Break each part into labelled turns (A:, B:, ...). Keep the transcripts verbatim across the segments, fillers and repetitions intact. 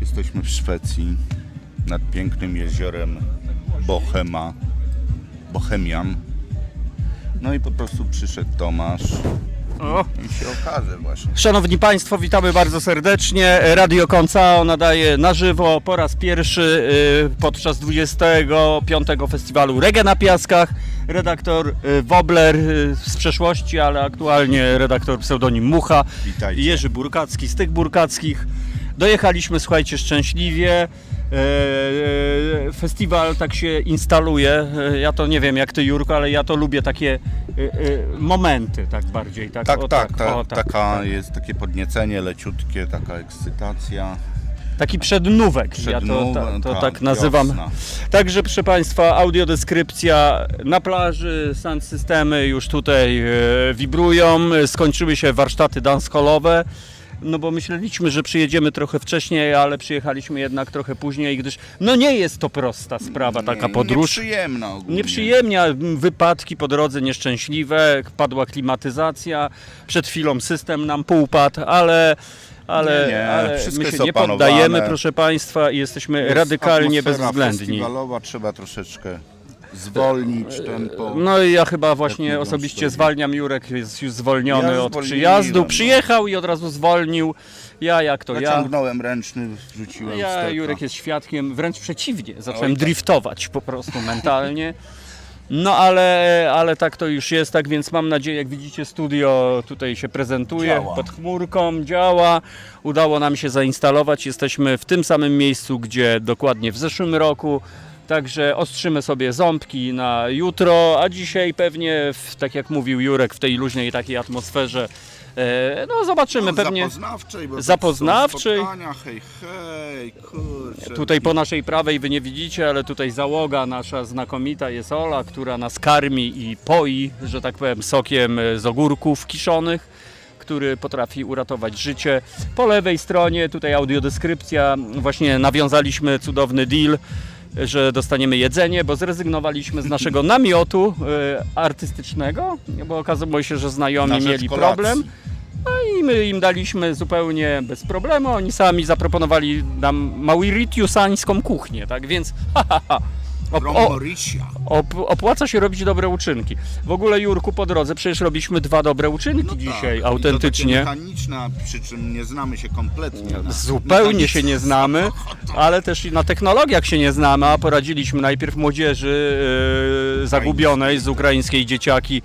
A: Jesteśmy w Szwecji, nad pięknym jeziorem Bohema, Bohemian. No i po prostu przyszedł Tomasz
B: O.
A: i się okaże właśnie.
B: Szanowni Państwo, witamy bardzo serdecznie. Radio Koncao nadaje na żywo po raz pierwszy y, podczas dwudziestego piątego Festiwalu Reggae na Piaskach. Redaktor y, Wobler y, z przeszłości, ale aktualnie redaktor pseudonim Mucha.
A: Witajcie.
B: Jerzy Burkacki z tych burkackich. Dojechaliśmy, słuchajcie, szczęśliwie. E, festiwal tak się instaluje. E, ja to nie wiem jak ty, Jurko, ale ja to lubię takie e, e, momenty tak bardziej. Tak,
A: Tak,
B: o,
A: tak, ta,
B: o, tak,
A: taka
B: tak.
A: jest takie podniecenie leciutkie, taka ekscytacja.
B: Taki przednówek, ja to,
A: Przednówek,
B: ta, to
A: tak,
B: tak nazywam.
A: wiosna.
B: Także proszę Państwa, audiodeskrypcja na plaży, sound systemy już tutaj e, wibrują, skończyły się warsztaty dancehallowe. No bo myśleliśmy, że przyjedziemy trochę wcześniej, ale przyjechaliśmy jednak trochę później, gdyż no nie jest to prosta sprawa, taka
A: Nie-
B: podróż.
A: Nieprzyjemna ogólnie.
B: Nieprzyjemnia, wypadki po drodze nieszczęśliwe, padła klimatyzacja, przed chwilą system nam półpadł, ale, ale,
A: Nie, nie,
B: ale
A: wszystko
B: my się
A: jest
B: nie
A: opanowane.
B: poddajemy, proszę Państwa, i jesteśmy
A: Jest
B: radykalnie
A: atmosfera
B: bezwzględni.
A: festiwalowa, trzeba troszeczkę zwolnić tempo.
B: No i ja chyba właśnie
A: Jak mówią
B: osobiście
A: sztuki.
B: zwalniam, Jurek jest już zwolniony
A: Ja
B: od
A: zwolniłem,
B: przyjazdu,
A: no.
B: przyjechał i od razu zwolnił. Ja jak to ja.
A: Naciągnąłem ręczny, wrzuciłem
B: Ja,
A: wsteka.
B: Jurek jest świadkiem, wręcz przeciwnie, zacząłem
A: Oj, tak.
B: driftować po prostu mentalnie. No ale, ale tak to już jest, tak więc mam nadzieję, jak widzicie, studio tutaj się prezentuje,
A: Działa.
B: pod chmurką, działa. Udało nam się zainstalować, jesteśmy w tym samym miejscu, gdzie dokładnie w zeszłym roku. Także ostrzymy sobie ząbki na jutro, a dzisiaj pewnie, w, tak jak mówił Jurek, w tej luźnej takiej atmosferze, e, no zobaczymy
A: No,
B: pewnie.
A: Zapoznawczej, bo
B: Zapoznawczej.
A: to są spotkania, hej, hej, kurczę.
B: Tutaj po naszej prawej wy nie widzicie, ale tutaj załoga nasza znakomita jest Ola, która nas karmi i poi, że tak powiem, sokiem z ogórków kiszonych, który potrafi uratować życie. Po lewej stronie tutaj audiodeskrypcja, właśnie nawiązaliśmy cudowny deal, że dostaniemy jedzenie, bo zrezygnowaliśmy z naszego namiotu e, artystycznego, bo okazało się, że znajomi
A: Na rzecz
B: mieli
A: kolacji.
B: problem. I my im daliśmy zupełnie bez problemu, oni sami zaproponowali nam mauritiusańską kuchnię, tak więc ha, ha, ha. Op,
A: From
B: o,
A: Mauritia.
B: op, opłaca się robić dobre uczynki. W ogóle, Jurku, po drodze przecież robiliśmy dwa dobre uczynki
A: No
B: dzisiaj,
A: tak,
B: autentycznie.
A: I to takie mechaniczne, przy czym nie znamy się kompletnie. Na
B: Zupełnie się nie znamy,
A: samochodach.
B: ale też i na technologiach się nie znamy, a poradziliśmy najpierw młodzieży e, zagubionej z ukraińskiej dzieciaki.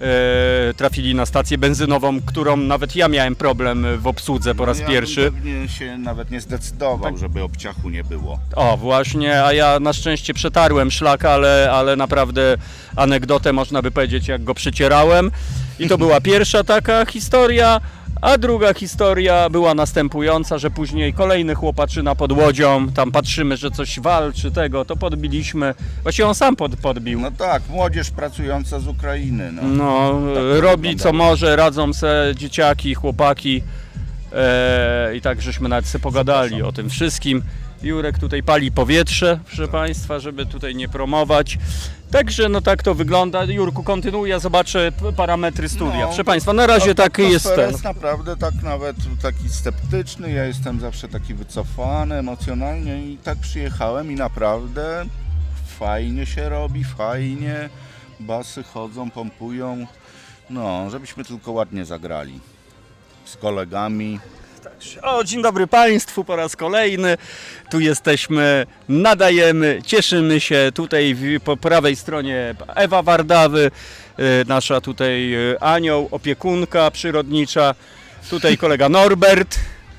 B: E, trafili na stację benzynową, którą nawet ja miałem problem w obsłudze po raz
A: ja
B: pierwszy.
A: bym pewnie się nawet nie zdecydował,
B: Tak.
A: żeby obciachu nie było.
B: O, właśnie, a ja na szczęście przetarłem szlak, ale, ale naprawdę anegdotę można by powiedzieć, jak go przycierałem. I to była pierwsza taka historia, a druga historia była następująca, że później kolejny chłopaczyna pod łodzią, tam patrzymy, że coś walczy tego, to podbiliśmy. Właściwie on sam pod, podbił.
A: No tak, młodzież pracująca z Ukrainy. No.
B: No,
A: to
B: robi co
A: wyglądało.
B: może, radzą se dzieciaki, chłopaki. E, I tak żeśmy nawet sobie pogadali
A: Przepraszam.
B: o tym wszystkim. Jurek tutaj pali powietrze, proszę Państwa, żeby tutaj nie promować. Także no tak to wygląda. Jurku, kontynuuj, ja zobaczę p- parametry studia.
A: No,
B: proszę Państwa, na razie tak jest
A: Atmosfera
B: ten.
A: jest naprawdę tak nawet taki sceptyczny, ja jestem zawsze taki wycofany emocjonalnie i tak przyjechałem i naprawdę fajnie się robi, fajnie, basy chodzą, pompują, no żebyśmy tylko ładnie zagrali z kolegami.
B: O, dzień dobry Państwu po raz kolejny. Tu jesteśmy, nadajemy, cieszymy się. Tutaj w- po prawej stronie Ewa Wardawy, y, nasza tutaj y, anioł, opiekunka przyrodnicza. Tutaj kolega Norbert.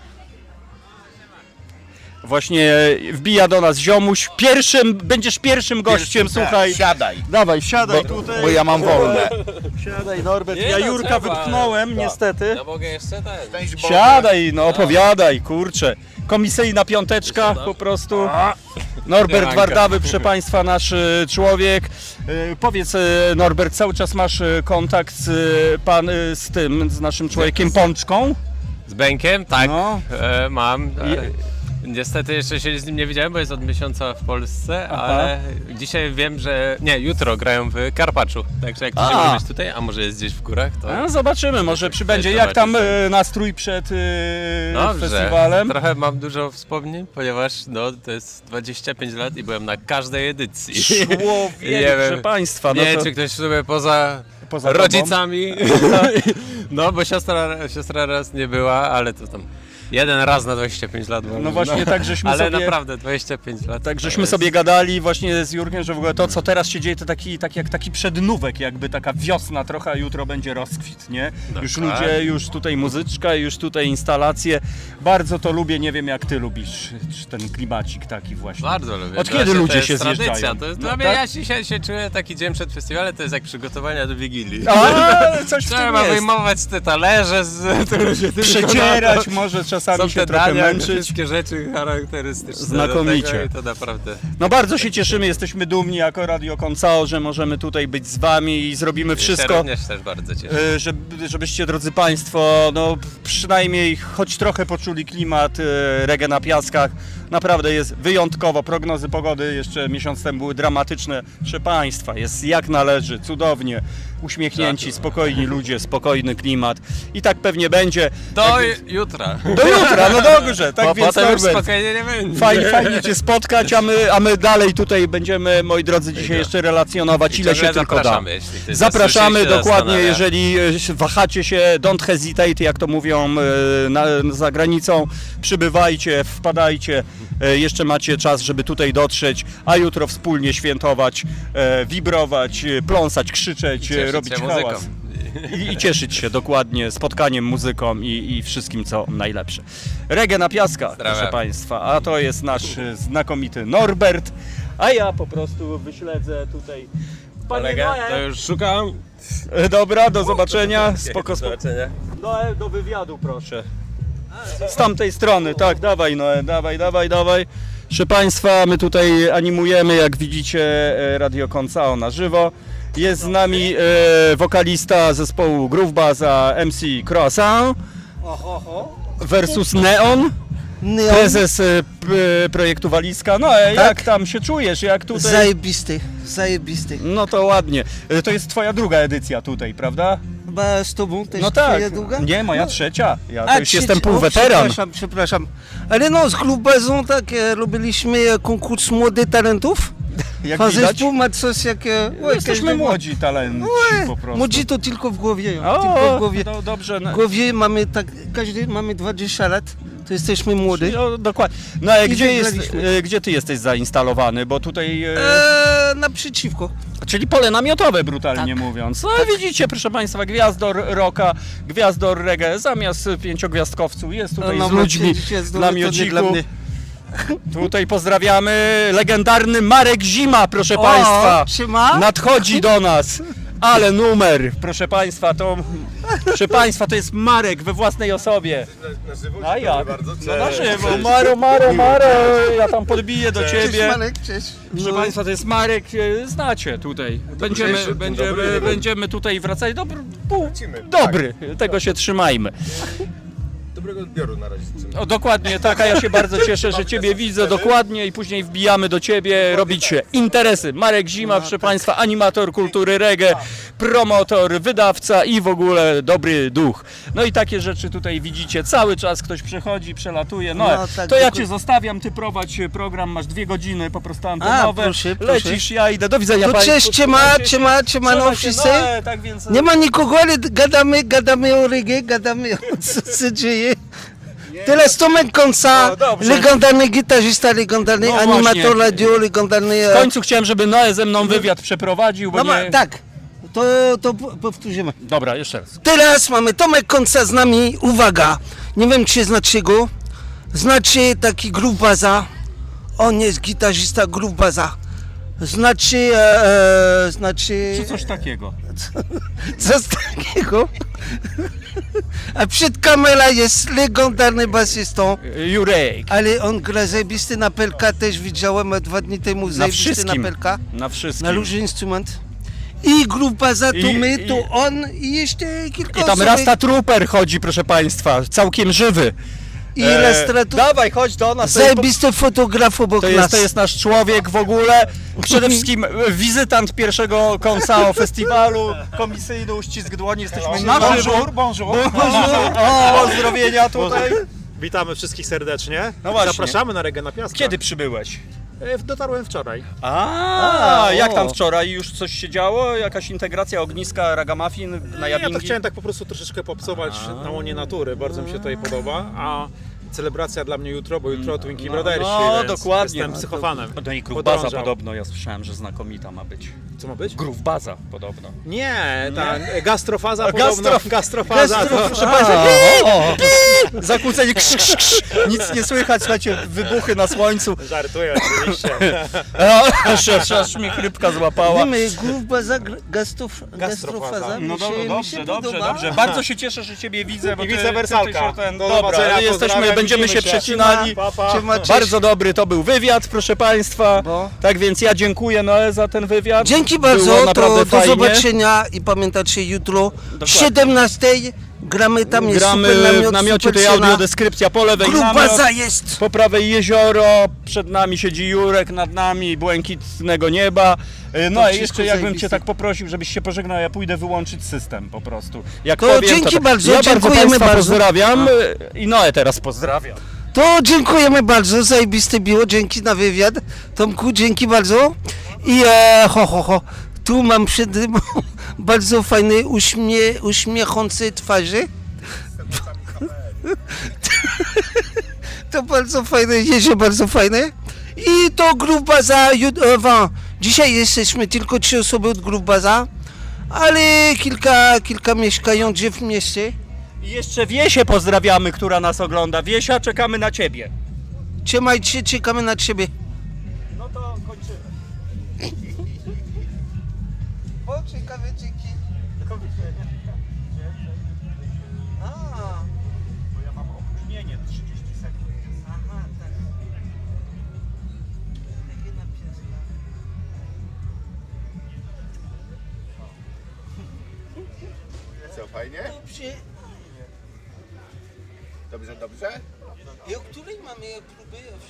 B: Właśnie wbija do nas ziomuś. Pierwszym, będziesz pierwszym gościem,
A: Pierwszy-
B: słuchaj.
A: Siadaj,
B: Dawaj, siadaj
A: bo,
B: tutaj.
A: bo ja mam wolne.
B: Siadaj Norbert.
C: Nie,
B: Ja
C: no
B: Jurka
C: trzeba,
B: wypchnąłem
A: tak.
B: niestety.
C: Ja mogę jeszcze ten.
A: Szczęść Boże.
B: Siadaj, no opowiadaj, kurczę. Komisyjna piąteczka po prostu. Norbert
C: Ranka.
B: Wardawy, proszę Państwa, nasz y, człowiek. Y, Powiedz, y, Norbert, cały czas masz y, kontakt z, y, pan, y, z tym, z naszym człowiekiem Pączką?
C: Z Bękiem? Tak.
B: No.
C: E, mam. E, Niestety jeszcze się z nim nie widziałem, bo jest od miesiąca w Polsce,
B: Aha.
C: ale dzisiaj wiem, że... Nie, jutro grają w Karpaczu, także jak ktoś
B: A.
C: może być tutaj, a może jest gdzieś w górach, to...
B: No, zobaczymy, może przybędzie.
C: Cześć,
B: Jak tam
C: zobaczysz.
B: e, nastrój przed e,
C: Dobrze,
B: festiwalem?
C: trochę mam dużo wspomnień, ponieważ no, to jest dwadzieścia pięć lat i byłem na każdej edycji.
B: Człowiek,
C: Nie wiem,
B: proszę państwa. No
C: nie wiem,
B: to
C: czy ktoś sobie poza,
B: poza tobą?
C: rodzicami, no bo siostra, siostra raz nie była, ale to tam jeden raz na dwadzieścia pięć lat. może,
B: No właśnie, tak żeśmy
C: ale
B: sobie...
C: naprawdę dwadzieścia pięć lat.
B: Tak
C: to
B: żeśmy
C: jest-
B: sobie gadali właśnie z Jurkiem, że w ogóle to, co teraz się dzieje, to taki, tak jak taki przednówek, jakby taka wiosna trochę, a jutro będzie rozkwit, nie? Już
C: Dokładnie.
B: ludzie, już tutaj muzyczka, już tutaj instalacje. Bardzo to lubię, nie wiem jak ty lubisz czy ten klimacik taki właśnie.
C: Bardzo lubię.
B: Od
C: To
B: kiedy
C: właśnie
B: ludzie
C: to jest
B: się
C: tradycja.
B: zjeżdżają?
C: To jest,
B: No
C: dla mnie,
B: tak?
C: ja dzisiaj się czuję taki dzień przed festiwalem, to jest jak przygotowania do Wigilii.
B: A, coś w tym
C: Trzeba
B: jest.
C: wyjmować te talerze, z, które się tylko
B: Przecierać,
C: na
B: może
C: to,
B: czasami
C: są
B: się
C: te
B: trochę
C: dania,
B: męczyć.
C: wszystkie rzeczy charakterystyczne.
B: Znakomicie.
C: Do tego i to naprawdę.
B: No bardzo się cieszymy, jesteśmy dumni jako Radio Koncao, że możemy tutaj być z wami i zrobimy
C: Ja się
B: wszystko,
C: również też bardzo cieszę.
B: e, żeby, żebyście, drodzy Państwo, no przynajmniej choć trochę poczuli klimat e, reggae na piaskach. Naprawdę jest wyjątkowo. Prognozy pogody jeszcze miesiąc temu były dramatyczne. Proszę Państwa, jest jak należy, cudownie. Uśmiechnięci, spokojni ludzie, spokojny klimat. I tak pewnie będzie.
C: Do
B: Tak,
C: jutra.
B: do jutra, no dobrze. Tak
C: Bo
B: więc
C: potem już
B: Norbert,
C: spokojnie nie będzie.
B: Fajnie, fajnie Cię spotkać, a my, a my dalej tutaj będziemy, moi drodzy, dzisiaj jeszcze relacjonować,
C: I
B: ile się
C: ciągle
B: tylko da.
C: zapraszamy, jeśli ktoś
B: Zapraszamy
C: zasłyszy, się
B: dokładnie,
C: zastanawia.
B: jeżeli e, wahacie się, don't hesitate, jak to mówią e, na, za granicą, przybywajcie, wpadajcie, e, jeszcze macie czas, żeby tutaj dotrzeć, a jutro wspólnie świętować, e, wibrować, e, pląsać, krzyczeć, e,
C: Cieszyć
B: robić
C: się
B: hałas.
C: muzyką.
B: I, I cieszyć się dokładnie spotkaniem, muzyką i, i wszystkim, co najlepsze. Reggae na piaskach,
C: Pozdrawiam.
B: proszę Państwa, a to jest nasz e, znakomity Norbert, a ja po prostu wyśledzę tutaj. Panie
C: Kolegę,
B: Noe.
C: to już szukam.
B: E, Dobra, do zobaczenia. Spoko,
C: Do
B: spoko.
C: zobaczenia.
B: Noe, do wywiadu proszę. Z tamtej strony, tak, dawaj Noe, dawaj, dawaj, dawaj. Proszę Państwa, my tutaj animujemy, jak widzicie, e, Radio Koncao na żywo. Jest z nami e, wokalista zespołu Groove Baza M C Croissant versus Neon,
D: Neon,
B: prezes e, p- projektu Walizka. No, e,
D: Tak.
B: jak tam się czujesz, jak tutaj...
D: zajebisty, zajebisty.
B: No to ładnie. E, To jest twoja druga edycja tutaj, prawda?
D: Chyba z tobą też
B: No tak.
D: twoja długa?
B: Nie, moja
D: No.
B: trzecia. Ja
D: A,
B: to już
D: trzecia.
B: jestem
D: O,
B: półweteran.
D: Przepraszam, przepraszam. Ale no, z Glubazą tak e, robiliśmy e, konkurs młodych talentów.
B: Jak
D: A
B: widać,
D: zespół ma coś jak... e,
B: no
D: oj,
B: jesteśmy
D: każdy ma-
B: młodzi talenci
D: Oj,
B: po prostu.
D: Młodzi to tylko w głowie. tylko w
B: O,
D: głowie.
B: no dobrze.
D: W
B: No,
D: głowie mamy tak, każdy mamy dwadzieścia lat, to jesteśmy młody.
B: no, dokładnie. No ale
D: I
B: gdzie, jest,
D: wygraliśmy.
B: e, gdzie ty jesteś zainstalowany? Bo tutaj... E,
D: E, naprzeciwko.
B: Czyli pole namiotowe, brutalnie
D: Tak.
B: mówiąc. No widzicie, proszę Państwa, gwiazdor rocka, gwiazdor reggae, zamiast pięciogwiazdkowców jest tutaj
D: No,
B: z ludźmi
D: macie,
B: w
D: to nie dla
B: namiociku.
D: mnie.
B: Tutaj pozdrawiamy legendarny Marek Zima, proszę Państwa.
D: O, siema.
B: Nadchodzi do nas. Ale numer, proszę Państwa, to proszę Państwa, to jest Marek we własnej osobie. A jak? No na żywo. Maro, Maro, Maro, ja tam podbiję do
D: Cześć
B: Ciebie.
D: Marek, cześć.
B: Proszę
D: No,
B: Państwa, to jest Marek, e, znacie tutaj. Będziemy, będziemy, będziemy tutaj wracać. Dobry, pół, dobry, tego się trzymajmy.
E: Dobrego odbioru na razie życzymy.
B: O, dokładnie tak, a ja się bardzo cieszę, że Ciebie widzę dokładnie i później wbijamy do Ciebie, robić interesy. Marek Zima, proszę Państwa, animator kultury reggae, promotor, wydawca i w ogóle dobry duch. No i takie rzeczy tutaj widzicie, cały czas ktoś przechodzi, przelatuje. No,
D: No, tak,
B: to ja
D: dokładnie.
B: Cię zostawiam, Ty prowadź program, masz dwie godziny po prostu antenowe.
D: A, proszę, proszę.
B: Lecisz, ja idę, do widzenia
D: To
B: Państwu.
D: cześć, ciema,
B: Trzymajcie się.
D: ciema, ciema, no
B: Trzymaj się,
D: wszyscy.
B: no, tak więc...
D: Nie ma nikogo, ale gadamy, gadamy o reggae, gadamy o co się dzieje. Teraz Tomek Konca,
B: No, dobrze.
D: legendarny gitarzysta, legendarny
B: No
D: animator
B: właśnie.
D: radio, legendarny...
B: W końcu chciałem, żeby Noe ze mną wywiad przeprowadził, bo
D: No, ma,
B: nie...
D: tak, to, to po- powtórzymy.
B: Dobra, jeszcze raz.
D: Teraz mamy Tomek Konca z nami, uwaga, nie wiem czy znacie go, znacie taki Groove Baza, on jest gitarzysta Groove Baza. Znaczy, e, e, znaczy...
B: Czy coś takiego?
D: Coś takiego. A przed kamerą jest legendarny basistą,
B: Jurek.
D: ale on gra zajebisty na pelka, też widziałem dwa dni temu
B: Na
D: zajebisty na
B: wszystkim.
D: pelka,
B: Na wszystkim.
D: na różny instrument. I grupa za
B: I-
D: to my,
B: i-
D: to on i jeszcze kilka
B: I tam
D: osób.
B: Rasta Trooper chodzi, proszę Państwa, całkiem żywy.
D: ilustrator,
B: Dawaj, chodź do nas.
D: zajebisty fotograf obok
B: To
D: nas.
B: jest, to jest nasz człowiek w ogóle. Przede wszystkim e, wizytant pierwszego konca festiwalu. Komisyjny uścisk dłoni. Jesteśmy na żywo.
F: bonjour.
B: Bonjour. O, pozdrowienia tutaj.
F: Witamy wszystkich serdecznie.
B: No właśnie.
F: Zapraszamy na Reggae na Piastra.
B: Kiedy przybyłeś?
F: E, Dotarłem wczoraj.
B: A,
D: A,
B: jak
D: o.
B: tam wczoraj? Już coś się działo? Jakaś integracja ogniska, ragamuffin na
F: Ja
B: Jabingi?
F: to chciałem tak po prostu troszeczkę popsować na łonie natury. Bardzo mi się tutaj podoba. A celebracja dla mnie jutro, bo jutro Twinkie
B: No,
F: Brothers.
B: no,
F: więc
B: dokładnie.
F: Jestem psychofanem.
B: No i Groove Baza
F: Podążał.
B: podobno, ja słyszałem, że znakomita ma być.
F: Co ma być?
B: Groove Baza podobno.
F: Nie, ta gastrofaza
B: A,
F: podobno.
B: gastro-
F: Gastrofaza.
B: Gastro-
F: to-
B: proszę Państwa, zakłócenie, krz, krz, krz. Nic nie słychać, słuchajcie, wybuchy na słońcu.
F: Żartuję oczywiście.
B: O, aż, aż, aż mnie chrypka złapała.
D: Wiemy, Groove Baza, gastrof, gastrofaza.
F: Gastrofaza.
D: mi
B: No
D: się-
B: dobrze,
D: mi się
B: dobrze, dobrze,
D: podoba.
B: dobrze. Bardzo się cieszę, że Ciebie widzę, bo
F: I
B: ty-
F: wice
B: ty-
F: wersalka.
B: ty się ten-
F: Do
B: Dobra,
F: zobaczenia,
B: ale jesteśmy,
F: pozdrawiam,
B: będziemy się
F: widzimy się.
B: przecinali.
F: Pa, pa.
D: Siema, cześć.
B: Bardzo dobry to był wywiad, proszę Państwa.
D: Bo?
B: Tak więc ja dziękuję Noe za ten wywiad.
D: Dzięki
B: Było
D: bardzo,
B: naprawdę
D: to do
B: fajnie.
D: zobaczenia i pamiętajcie jutro o siedemnastej gramy tam, jest
B: Gramy
D: super namiot,
B: w namiocie,
D: super
B: tutaj
D: scena.
B: audiodeskrypcja po lewej
D: Groove
B: namiot,
D: Baza jest.
B: po prawej jezioro, przed nami siedzi Jurek, nad nami błękitnego nieba. Y, No
D: To
B: i
D: wszystko
B: jeszcze jakbym
D: zajebiste.
B: Cię tak poprosił, żebyś się pożegnał, ja pójdę wyłączyć system po prostu. Jak
D: To
B: powiem,
D: dzięki
B: to...
D: bardzo,
B: ja bardzo
D: dziękujemy
B: Państwa
D: bardzo.
B: pozdrawiam y, i Noe teraz pozdrawiam.
D: To dziękujemy bardzo, zajebiste było, dzięki na wywiad. Tomku, dzięki bardzo. I e, ho, ho, ho, tu mam przed sobą bardzo fajne uśmie, uśmiechające twarze. To bardzo fajne, jedzie bardzo fajne. I to Groove Baza, jut- e, wa- dzisiaj jesteśmy tylko trzy osoby od Groove Baza, ale kilka, kilka mieszkających w mieście.
B: I jeszcze Wiesię pozdrawiamy, która nas ogląda. Wiesia, czekamy na Ciebie.
D: Trzymajcie, czekamy na ciebie.
B: No to kończymy.
D: O, ciekawe dzięki. A,
B: Bo ja mam opóźnienie trzydzieści sekund.
D: aha, tak. Reggae na Piastra.
A: Co, fajnie?
D: Dobrze.
A: Dobrze, dobrze?
D: I o której mamy próby?